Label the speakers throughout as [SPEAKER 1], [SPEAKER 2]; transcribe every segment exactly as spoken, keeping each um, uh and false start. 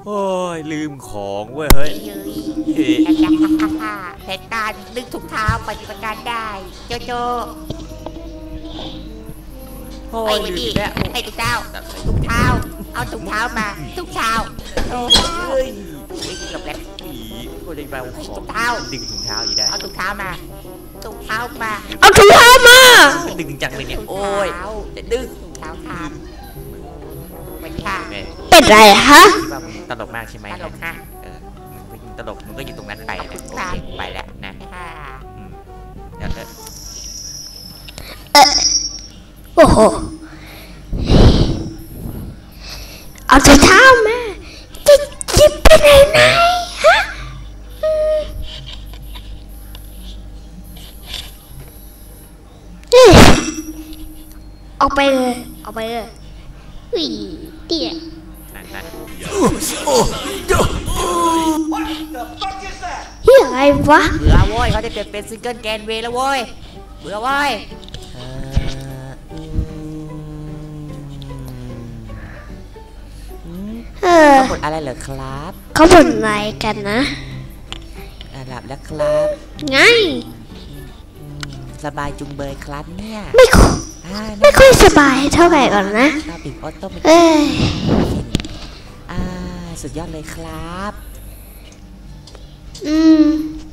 [SPEAKER 1] โอ้ยลืมของเว้ยเฮ้ย
[SPEAKER 2] เหตุการณ์ดึงถุงเท้าปฏิบัติการได้โจโจโอ้ยลืมแล้วให้ถุงเท้าถุงเท้าเอาถุงเท้ามาถุงเท้าโอ้ยหลบแล้ว
[SPEAKER 1] ก็จะไปเอาของ
[SPEAKER 2] ถุงเท้า
[SPEAKER 1] ดึงถุงเท้าอยู่ได้
[SPEAKER 2] เอาถุงเท้ามาถุงเท้ามา
[SPEAKER 3] เอาถุงเท้ามา
[SPEAKER 1] ดึงจังเลยเนี่ยโอ้ยจะดึง
[SPEAKER 2] ถุงเท้าทานเป็นค่ะ
[SPEAKER 3] เป็นไรฮะ
[SPEAKER 1] ตลกมากใช่ไหม
[SPEAKER 2] ตลกฮะ
[SPEAKER 1] เออมึงตลกมึงก็อยู่ตรงนั้นไปนะโอเคไปแล้วนะเดี๋ยว
[SPEAKER 3] เออโอ้โหเอาถุงเท้ามาจะจิบไปไหนไหนฮะออกไปเลยออกไปเลยอุ้ยเตี้ยเฮียอะไรวะ
[SPEAKER 2] เบื่อโว้ยเขาจะเปลี่ยนเป็นซิงเกิลแกนเวย์แล้วโว้ยเบื่อโว้ยเขาบ่นอะไรเหรอครับ
[SPEAKER 3] เขาบ่นอะไรกันนะ
[SPEAKER 2] หลับแล้วครับ
[SPEAKER 3] ไง
[SPEAKER 2] สบายจุงเบยครับเนี่ย
[SPEAKER 3] ไม่ค่อยไม่ค่อยสบายเท่าไหร่ก่อนนะ
[SPEAKER 2] ปิดออโต้
[SPEAKER 3] เอ้ย
[SPEAKER 2] อ่าสุดยอดเลยครับ
[SPEAKER 3] อืม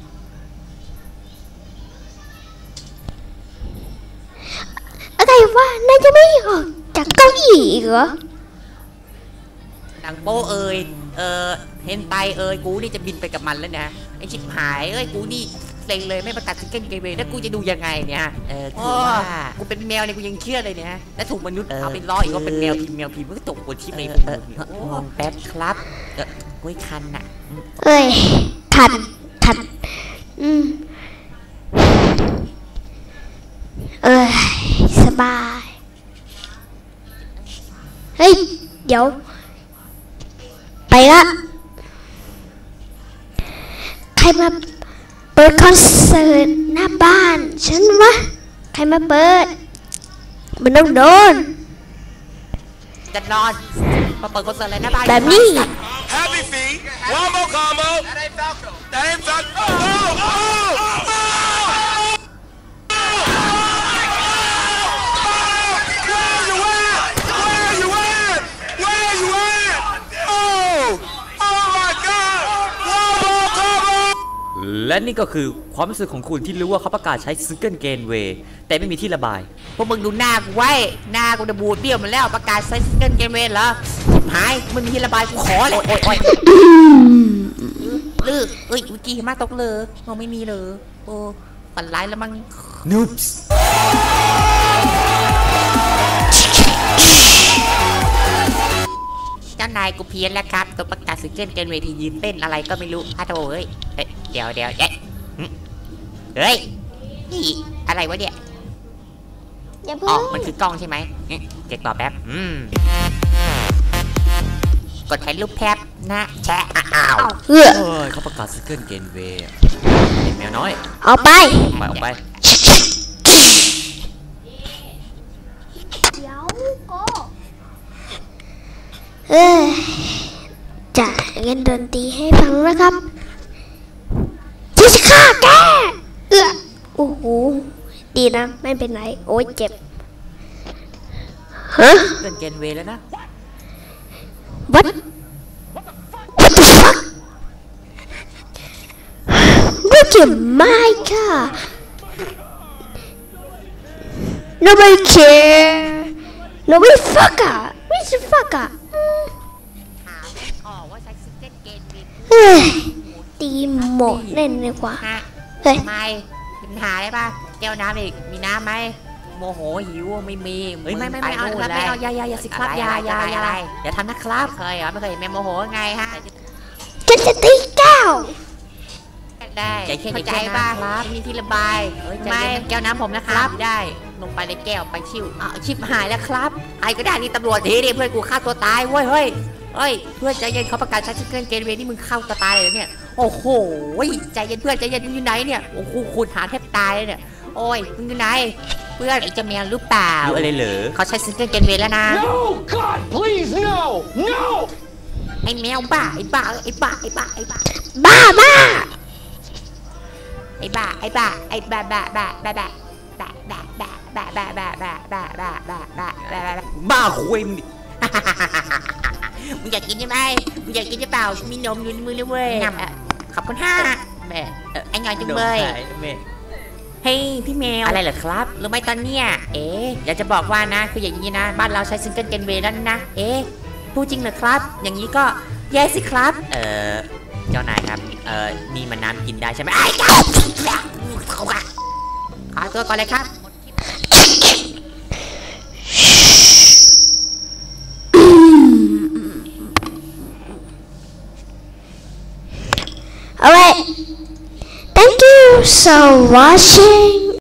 [SPEAKER 3] อะไรวะนายจะไม่ออกจากเก้าอี้อีกเหรอ
[SPEAKER 2] ดังโป้เอ่ยเออเห็นไตเอ่ยกูนี่จะบินไปกับมันแล้วนะไอชิบหายเอ้ยกูนี่เซ็งเลยไม่ประกาศซิงเกิลเกมเวย์แล้วกูจะดูยังไงเนี่ยเออคือว่ากูเป็นแมวเนี่ยกูยังเชื่อเลยเนี่ยแล้วถูกมนุษย์เอาไปล้ออีกว่าเป็นแมวพิมพ์แมวพิมพ์มันก็ตกบนที่ในมองแป๊บครับเออกุ้ยคันน่ะ
[SPEAKER 3] เอ้ยทันทันอืมเออสบายเฮ้ยเดี๋ยวไปละใครมาเปิดคอนเสิร์ตหน้าบ้านฉันวะใครมาเปิดมันต้องโดน
[SPEAKER 2] จะนอนมาเปิดคอนเสิร์ตอะไรหน้าบ้าน
[SPEAKER 3] แบบนี้
[SPEAKER 4] Happy feet one more combo that ain't Falco that ain't Falco oh oh
[SPEAKER 1] และนี่ก็คือความรู้สึกของคุณที่รู้ว่าเขาประกาศใช้ซิงเกิลเกนเวย์แต่ไม่มีที่ระบาย
[SPEAKER 2] พวกมึงดูหน้ากูไว้หน้ากูจะบูดเบี้ยวมันแล้วประกาศใช้ซิงเกิลเกนเวย์เหรอหายมันมีที่ระบายกูขอเลยโอ้ยโอ้ยลือเอ้ยเมื่อกี้มาตกเลยมองไม่มีเลยโอ้ฝันร้ายแล้วมั้ง
[SPEAKER 1] นูบส์
[SPEAKER 2] เจ้านายกูเพี้ยนแล้วครับตัวประกาศซิงเกิลเกนเวทียืนเต้นอะไรก็ไม่รู้ฮะโถเอ้ยเดี๋ยวเดี๋ยวเอ๊ะเฮ้ยนี่อะไรวะเนี่ยอ๋อมันคือกล้องใช่ไหมเก็บต่อแป๊บอืมกดถ่ายรูปแป๊บนะแชะอ้าว
[SPEAKER 3] เฮ้ย
[SPEAKER 1] เขาประกาศซิงเกิลเกนเวย์แมวน้อย
[SPEAKER 3] เอาไป
[SPEAKER 1] ไปเอาไป
[SPEAKER 3] เดี๋ยวก็เอ้ยจะเล่นดนตรีให้ฟังนะครับที่จะฆ่าแกเออโอ้โหดีนะไม่เป็นไรโอ้ยเจ็บฮะ
[SPEAKER 2] เกินเกนเวแล้วนะ
[SPEAKER 3] What What the fuck Look at my car Nobody care Nobody fucker Where's the fuckerเฮ้ยตีหมดเล่นเลยกว่า
[SPEAKER 2] เฮ้ยไม่ปัญหาได้ป่ะแก้วน้ำอีกมีน้ำไหมโมโหหิวไม่มีเฮ้ยไม่ไม่ไม่เอาไม่เอายายายาสิครับยายายาอย่าทำนะครับเคยเหรอไม่เคยแม่โมโหไงฮะ
[SPEAKER 3] จะจะตีแก้ว
[SPEAKER 2] ได้เข้าใจป่ะมีที่ระบายไม่แก้วน้ำผมนะครับได้ลงไปในแก้วไปชิวอ่ะชิบหายแล้วครับไอ้ก็ได้นี่ตำรวจทีดิเพื่อนกูฆ่าตัวตายเว้ยเฮ้ยเฮ้ยเพื่อนใจเย็นเขาประกาศใช้ซิงเกิลเกนเวย์นี่มึงเข้าตัวตายเลยเนี่ยโอ้โหใจเย็นเพื่อนใจเย็นมึงอยู่ไหนเนี่ยโอ้โหคุณหาแทบตายเลยเนี่ยโอ้ยมึงอยู่ไหนเพื่อนไอ้เจ้าแมวหรือเปล่า
[SPEAKER 1] อะไรเหรอ
[SPEAKER 2] เขาใช้ซิงเกิลเกนเวย์แล้วนะ
[SPEAKER 4] No God please no no
[SPEAKER 2] ไอ้แมวบ้าไอ้บ้าไอ้บ้าไอ้บ้าไอ้บ้า
[SPEAKER 3] บ้าบ้า
[SPEAKER 2] ไอ้บ้าไอ้บ้าไอ้บ้าบ้าบ้าบ้าบ้าบ้าบ้าบ้าบ้าบ้าบ้าบ้าบ้าบ้าบ้าบ้าบ้าบ้า
[SPEAKER 1] บ้าคุยมึงดิ
[SPEAKER 2] มึงอยากกินใช่ไหมมึงอยากกินหรือเปล่ามีนมอยู่ในมือเลยเว้ยขอบคุณห้าแม่ไอ้งอนจังเลย
[SPEAKER 1] แม่
[SPEAKER 2] เฮ้ยพี่แมวอะไรเหรอครับรู้ไหมตอนเนี้ยเอ๊ะอยากจะบอกว่านะคืออย่างนี้นะบ้านเราใช้ซิงเกิลเกนเวย์แล้วนะเอ๊ะพูดจริงเหรอครับอย่างนี้ก็แย่สิครับ
[SPEAKER 1] เออเจ้านายครับเออนี่มันน้ำกินได้ใช่ไหมไอ้
[SPEAKER 2] ขอตัวก่อนเลยครับ
[SPEAKER 3] Alright, thank you for watching.